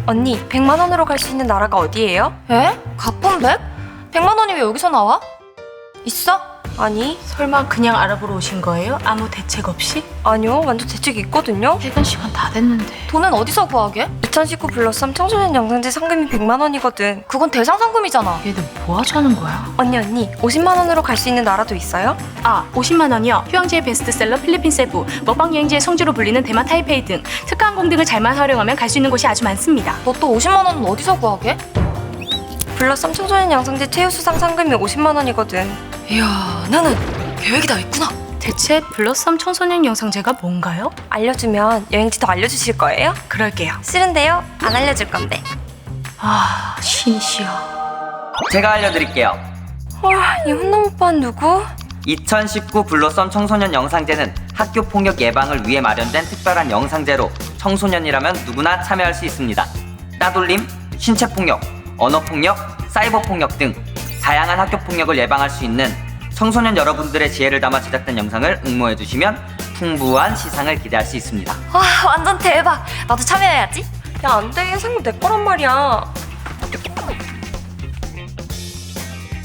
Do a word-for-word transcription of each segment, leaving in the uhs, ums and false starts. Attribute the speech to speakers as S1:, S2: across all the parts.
S1: 언니, 백만 원으로 갈 수 있는 나라가 어디예요?
S2: 에? 가품백? 백만 원이 왜 여기서 나와? 있어?
S1: 아니,
S3: 설마 그냥 알아보러 오신 거예요? 아무 대책 없이?
S1: 아니요. 완전 대책이 있거든요.
S3: 퇴근 시간 다 됐는데.
S2: 돈은 어디서 구하게?
S1: 이천십구 플러스 삼 청소년 영상제 상금이 백만 원이거든.
S2: 그건 대상 상금이잖아.
S3: 얘들 뭐 하자는 거야?
S1: 언니, 언니, 오십만 원으로 갈 수 있는 나라도 있어요?
S3: 아, 오십만 원이요. 휴양지의 베스트셀러 필리핀 세부, 먹방 여행지의 성지로 불리는 대만 타이페이 등 특가 항공 등을 잘만 활용하면 갈 수 있는 곳이 아주 많습니다.
S2: 너 또 오십만 원은 어디서 구하게?
S1: 플러스 삼 청소년 영상제 최우 수상 상금이 오십만 원이거든.
S2: 이야, 나는 계획이 다 있구나.
S3: 대체 블러썸 청소년 영상제가 뭔가요?
S1: 알려주면 여행지 더 알려주실 거예요?
S3: 그럴게요.
S1: 싫은데요? 안 알려줄 건데.
S3: 아, 신이시여.
S4: 제가 알려드릴게요.
S1: 와, 이 훈남 오빠는 누구?
S4: 이천십구 블로썸 청소년 영상제는 학교 폭력 예방을 위해 마련된 특별한 영상제로 청소년이라면 누구나 참여할 수 있습니다. 따돌림, 신체폭력, 언어폭력, 사이버폭력 등 다양한 학교 폭력을 예방할 수 있는 청소년 여러분들의 지혜를 담아 제작된 영상을 응모해주시면 풍부한 시상을 기대할 수 있습니다.
S2: 와, 완전 대박. 나도 참여해야지.
S1: 야, 안 돼. 상금 내 거란 말이야.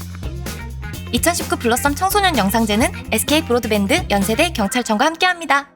S2: 이천십구 블러썸 청소년 영상제는 에스케이 브로드밴드, 연세대, 경찰청과 함께합니다.